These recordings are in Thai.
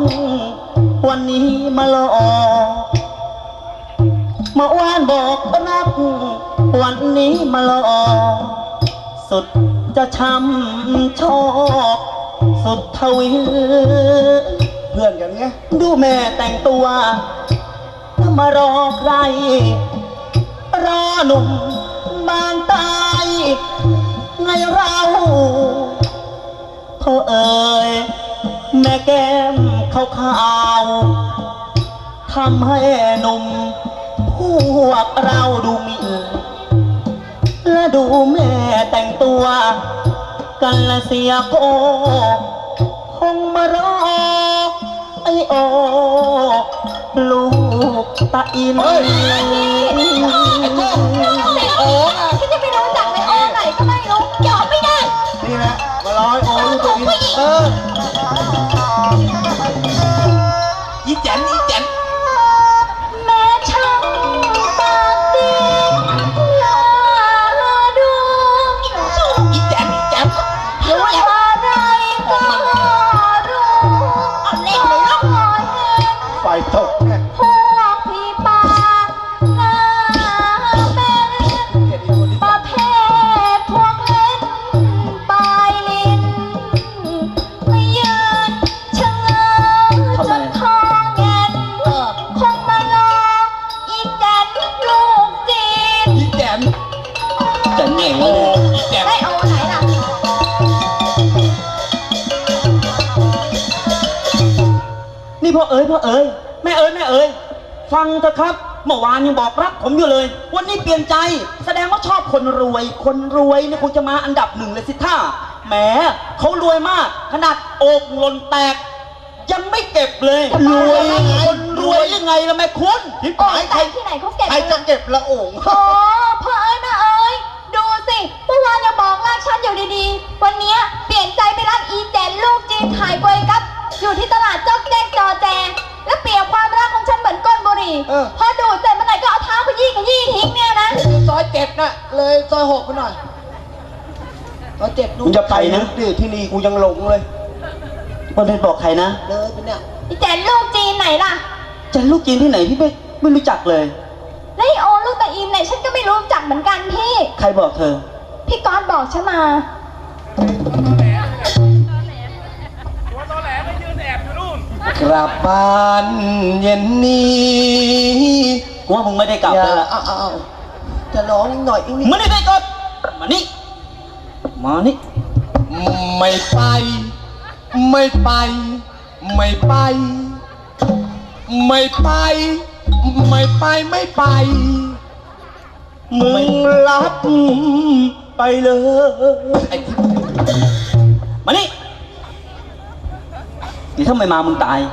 วันนี้มาหลอกเมื่อวานบอกรักวันนี้มาหลอกสุดจะช้ำชอกสุดทวีเพื่อนกันไงดูแม่แต่งตัวถ้ามารอใครรอหนุ่มบางตายไงเราเขาเอ่ยแม่แก้มขาวๆทำให้หนุ่มพวกเราดูหมิ่นและดูแม่แต่งตัวกันละเสียโกคงมารอไอโอลูกตาอินไอ้โอ้ที่จะไปรู้จักไอโอไหนก็ไม่รู้ยอมไม่ได้นี่แหละมาร้อยโอ้ลูกตัวอินอีแจนแม่ช่างปากดีน่าดูอีแจนรู้อะไรก็รู้เอาเล่นเลยลูกไฟตกแน่พวกพี่ปากหน้าเป็นประเภทพวกเล่นปลายลิ้นไม่ยืนชะเง้อจนคอแงนคงมารออีแจนลูกจีนอีแจนไหนวะเนี่ยไม่เอาไหนล่ะนี่พ่อเอ๋ยแม่เอ๋ยฟังเถอะครับเมื่อวานยังบอกรักผมอยู่เลยวันนี้เปลี่ยนใจแสดงว่าชอบคนรวยเนี่ยคงจะมาอันดับหนึ่งเลยสิท่าแหมเขารวยมากขนาดโอกหล่นแตกยังไม่เก็บเลยรวยคนรวยยังไงล่ะแม่คุณที่โอ่หายงแต่ที่ไหนเขาเก็บใครจะเก็บละโอ่งโอ้พ่อเอ๋ยแม่เอ๋ยดูสิเมื่อวานยังบอกรักฉันอยู่ดีๆวันนี้เปลี่ยนใจไปรักอีแจนลูกจีนขายกล้วยกับอยู่ที่ตลาดจ๊อกแจ๊กจอแจและเปรียบความรักของฉันเหมือนก้นบุหรี่พอดูดเสร็จเมื่อไหร่ก็เอาเท้าขยี้ทิ้งเนี่ยนะซอย7น่ะเลยซอย6ไปหน่อยซอย7ดูจะไปนะดิที่นี่กูยังหลงเลยวันนี้บอกใครนะเลยไปเนี่ยอีแจนลูกจีนไหนล่ะจะลูกจีนที่ไหนพี่ไม่รู้จักเลยแล้วไอโอลูกตาอินไหนฉันก็ไม่รู้จักเหมือนกันพี่ใครบอกเธอพี่ก๊อตบอกฉันมากลับบ้านเย็นนี้กูว่ามึงไม่ได้กลับเลยล่ะจะร้องหน่อยอีกนิดไม่ได้กลับมานี่ไม่ไปไม่ไปไม่ไปไม่ไปไม่ไปไม่ไปมึงรับไปเลยมานี่นี่ถ้าไม่มามึงตาย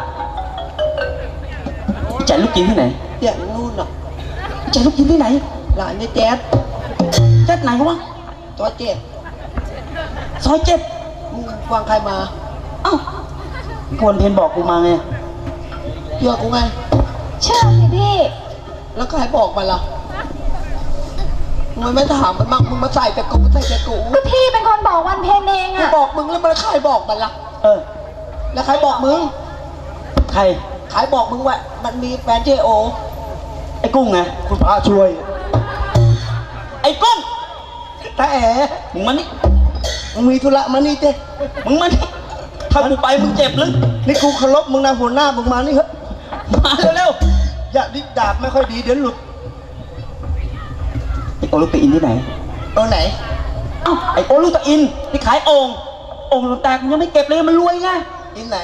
แจกลูกกินที่ไหนอย่างนู่นน่ะแจกลูกกินที่ไหนหลานนี่แจ๊ดไหนวะตัว7 ซอย7 มึงฟังใครมาเอ้าควรเพนบอกกูมาไงเชื่อกูไงเชื่อสิพี่แล้วใครบอกมาล่ะมึงไม่ถามมันมั่งมึงมาใส่แต่กูก็พี่เป็นคนบอกวันเพลงเองอะกูบอกมึงแล้วมันใครบอกมันล่ะแล้วใครบอกมึงใครบอกมึงว่ามันมีแฟนเจโอไอ้กุ้งไงคุณพระช่วยไอ้กุ้งแต่มึงมานี่มึงมีธุระมานี่เจ้มึงมานี่ถ้ากูไปมึงเจ็บหรือนี่กูเคารพมึงนะหัวหน้ามึงมานี่เถอะมาเร็วอย่าดิดาบไม่ค่อยดีเดี๋ยวหลุดไอ้โอลูกตะอินที่ไหนไหนไอ้โอลูกตะอินที่ขายโอ่งแตกมันยังไม่เก็บเลยมันรวยไงอินไหน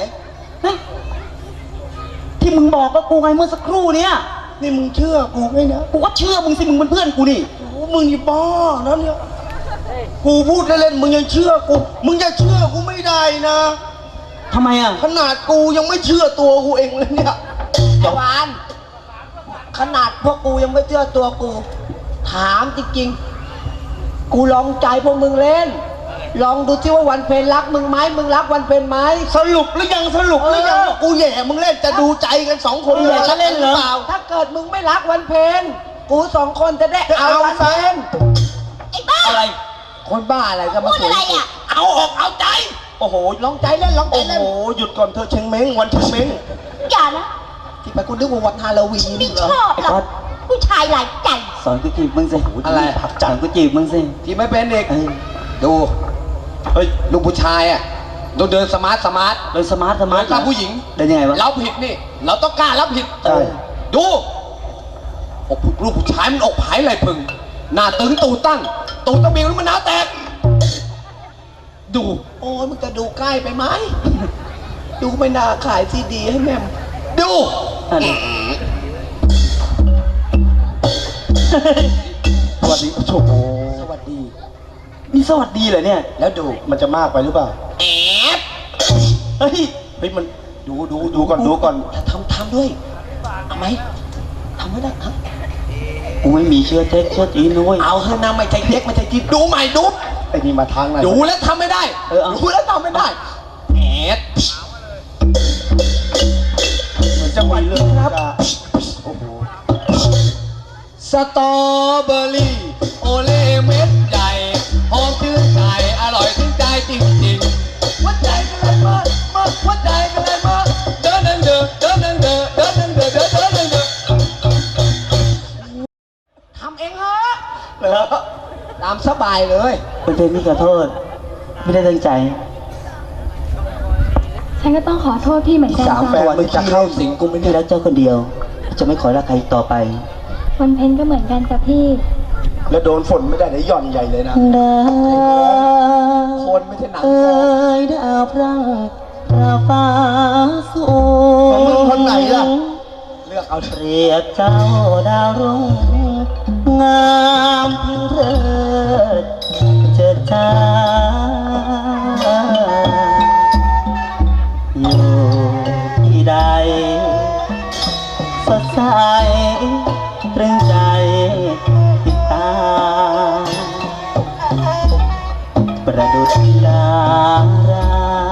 ที่มึงบอกกับกูไงเมื่อสักครู่เนี้ยนี่มึงเชื่อกูไหมนะกูก็เชื่อมึงสิมึงเป็นเพื่อนกูนี่มึงนี่บ้านะเนี่ยกูพูดเล่นๆมึงยังเชื่อกูมึงจะเชื่อกูไม่ได้นะทำไมอ่ะขนาดกูยังไม่เชื่อตัวกูเองเลยเนี่ยวานขนาดพวกกูยังไม่เชื่อตัวกูถามจริงๆกูลองใจพวกมึงเล่นลองดูที่ว่าวันเพลรักมึงไหมมึงรักวันเพลไหมสรุปหรือยังว่ากูแย่มึงเล่นจะดูใจกัน2 คนเลยจะเล่นเหรอถ้าเกิดมึงไม่รักวันเพลกู2 คนจะได้เอาวันเพลไอ้บ้าอะไรคนบ้าอะไรก็มาพูดอะไรอ่ะเอาออกเอาใจโอ้โหลองใจเล่นลองใจโอ้เล่นโห หยุดก่อนเธอะเชงเม้งวันเชงเม้งอย่านะที่ไปคุณนึกว่าวันฮาโลวีนไม่เหรอชอบหรอกผู้ชายหลายใจสอนกูจีบมึงสิอะไรผักจังกูจีบมึงสิที่ไม่เป็นเด็กเออดูเฮ้ยลูกผู้ชายอ่ะต้องเดินสมาร์ทโดยสมาร์ทเหมือนกับผู้หญิงเดินยังไงวะเราผิดนี่ เราต้องกล้ารับผิดใช่ดูอกลูกผู้ชายมันอกผายไหลพึง หน้าตึงตูดตั้งตูดตะเบียงแล้วมันหน้าแตก ดู โอ้ยมันจะดูใกล้ไปไหม ดูไม่น่าขายซีดีให้แม่มดูอันนี้สวัสดีโอ้โหสวัสดีนี่สวัสดีเหรอเนี่ยแล้วดูมันจะมากไปหรือเปล่าแอบเฮ้ยเฮ้ยมันดูก่อนดูก่อนทำด้วยเอาไหมทำไม่ได้ครับกูไม่มีเชื้อเท็จเชื้อจีนนะเว้ยเอาเถอะนะไม่ใช่เด็กไม่ใช่จีนดูใหม่ดูไอ้นี่มาทางไหนดูแล้วทำไม่ได้เอาดูแล้วทำไม่ได้แอดเหมือนจะมีเรื่องครับโอ้โหสตรอเบอรี่โอเล่เม็ดใหญ่หอมชื่นใจอร่อยถึงใจจริงๆหัวใจกันเลยมาหัวใจกันเลยมาเดินเดินเดินเดินเดินเดินเดินเดินเดินเดินเดินเดินทำเองเหรอแล้วตามสบายเลยเป็นเพลงที่ขอโทษ ไม่ได้ตั้งใจฉันก็ต้องขอโทษพี่เหมือนกันสามแฟจ้ะนมึงจะเข้าสิงกูไม่พี่ได้รักเจ้าคนเดียว จะไม่ขอรักใครอีกต่อไปวันเพ็ญก็เหมือนกันจ้ะพี่แล้วโดนฝนไม่ได้เดี๋ยวหย่อนใหญ่เลยนะดาคนไม่ใช่หนังเอ้ยดาวพรั่งดาวฟ้าสูของมึงคนไหนล่ะเลือกเอาเปรียบเจ้าดาวรุ่งงามเพิงเริดเจิดจ้าอยู่ที่ใดสดใสตรึงใจติดตามประดุจดารา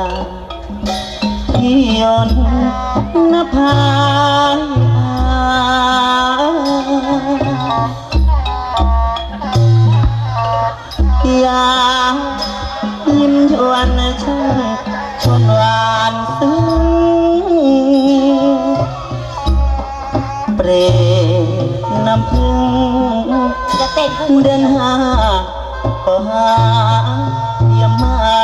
ที่ยนต์นภายามยิ้มชวนช่างชวนหวานซึ้งเปรตน้ำพึ่งจะเต้นให้เดือนห้าก็หาเยี่ยมไม่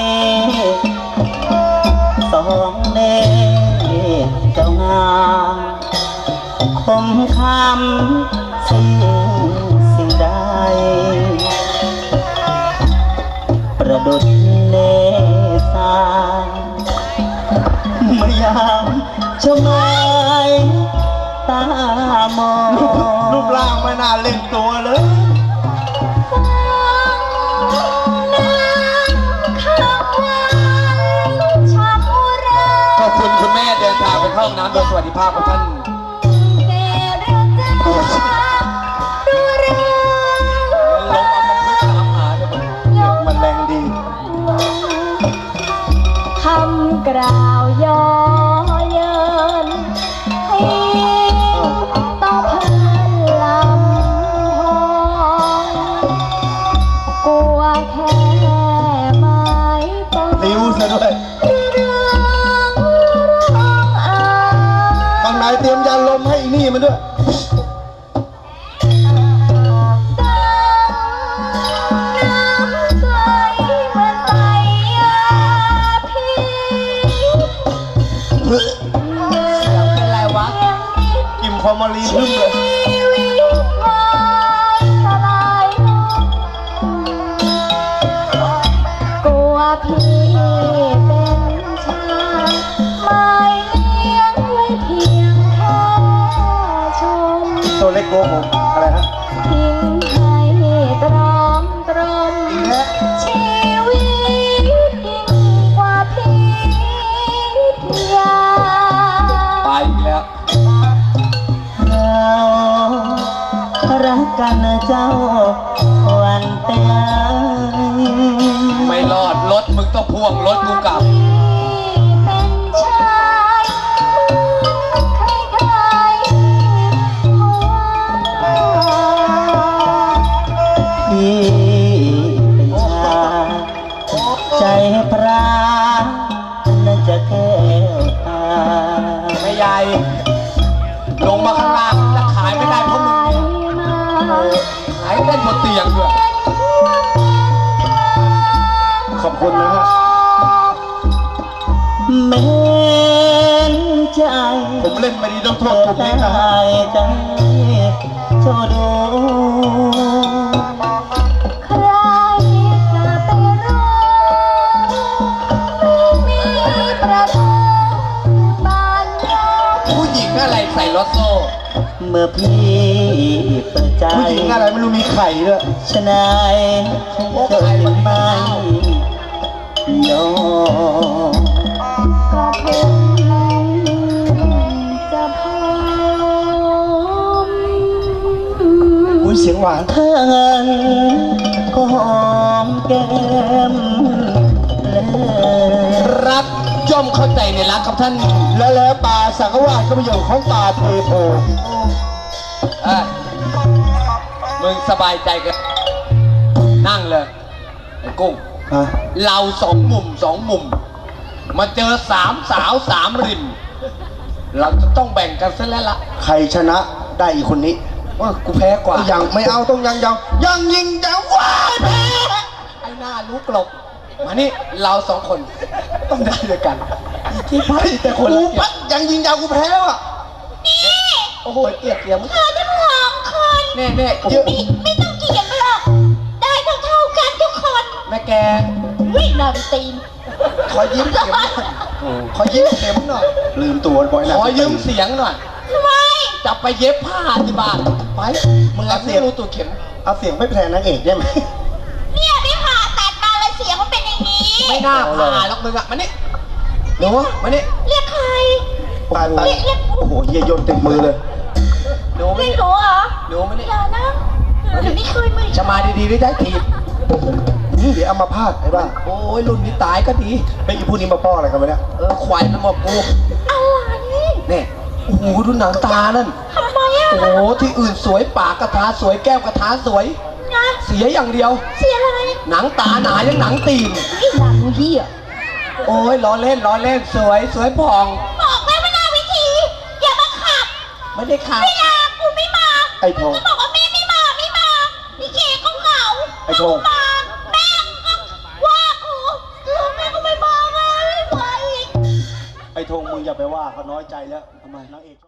สองเน่เจ้างามคมคำสิ่งใดประดุจเนสายเมื่อยามชมไม้ตามองรูปร่างไม่น่าเล่นตัวเลยขอบคุณคุณแม่เดินทางไปเข้าห้องน้ำโดยสวัสดิภาพของท่านลงมาพึกตามหาเถอะเด็กมันแรงดีคำกล่าวย่อเยินให้ต้องเพิ่นลำพองกลัวแค่ไม้ปองนิ้วซะด้วย ข้างในเตรียมยาลมให้อีนี่มันด้วยเป็นไรวะกิมฟอร์มาลีนลืมเลยกลัวพี่เป็นชายไม่เลี้ยงไว้เพียงแค่ชมตัวเล็กโกผมอะไรฮะทิ้งให้ตรอมตรมและชีวิตยิ่งกว่าพิทยาไปอีกแล้วเรารักกันนะเจ้าวันแต่ไม่รอดรถมึงต้องพ่วงรถกูกลับเป็นชายใครๆหัวพี่เป็นชายใจพรานลงมาข้างล่างแล้วขายไม่ได้เพราะมึงขายเล่นบนเตียงด้วยขอบคุณนะฮะแม้นใจผมเล่นไม่ดีต้องโทษผมนี่นะได้ใจเจ้าดูใครจะไปรู้ไม่มีประตูบ้านเราผู้หญิงอะไรใส่รถโซ่เมื่อพี่เปิดใจผู้หญิงอะไรไม่รู้มีไข่ด้วยชนายเธอเห็นไหมน้องกระทงจะพร้อมอุ้ยเสียงหวานถ้างั้นก็หอมแก้มเลยรักย่อมเข้าใจในรักครับท่านแล้วป่าสังฆวาสก็เป็นอย่างของป่าเทโพเอ้ยมึงสบายใจกันนั่งเลยไอ้กุ้งฮะเราสองมุมมาเจอสามสาวสามริม เราจะต้องแบ่งกันซะแล้วล่ะใครชนะได้อีกคนนี้ว่ากูแพ้กว่ายังไม่เอาต้องยังยิงยังว้ายแพ้ไอ้หน้ารู้กลบมานี่เราสองคนต้องได้ด้วยกันที่พัดแต่คนกูละเกียปัรดติยังยิงยาวกูแพ้แล้วอ่ะโอ้โหเกลียดเกลียดมึงเธอทั้งสองคนแน่แน่เยอะไม่ต้องเกลียดหรอกได้เท่ากันทุกคนแม่แกวิ่งนำตีนขอยิ้มเข็มหน่อยขอยิ้มเข็มหน่อยลืมตัวบ่อยนะขอยืมเสียงหน่อยทำไมจะไปเย็บผ้าที่บ้านไปมึงเอาเสียงรู้ตัวเข็มเอาเสียงไม่แทนนางเอกได้ไหมเนี่ยไม่ผ่าตัดมาเลยเสียงมันเป็นอย่างนี้ไม่น่าผ่าหรอกมึงอะมานี่หนูมานี่เรียกใครไปโอ้โหเยี่ยยนเต็มมือเลยหนูมาเรียนี่กหนูเหรอหนูมานี่อย่านะหนูไม่เคยมือจะมาดีๆได้ทีบนี่เดี๋ยวเอามาพาดไอ้บ้าโอ้ยรุ่นนี้ตายก็ดีไอ้อีพูดนี้มาป้ออะไรกันวะเนี่ยควายมันมากูอะไรเนี่ยโอ้โหดูหนังตานั่นทำไมอ่ะโอ้โหที่อื่นสวยปากกระทาสวยแก้วกระทาสวยนะเสียอย่างเดียวเสียอะไรหนังตาหนายังหนังตีนไอ้หนังเหี้ยโอ้ยล้อเล่นสวยผ่องบอกแล้วว่าหน้าวิธีอย่ามาขับไม่ได้ขาดเวลากูไม่มาไอ้ทองก็บอกว่าแม่ไม่มาพี่เคก็เหงาไอ้ทองมาแม่ก็ว่ากูแม่ก็ไม่มาไงไม่ไหวไอ้ธงมึงอย่าไปว่าเขาน้อยใจแล้วทำไมนางเอก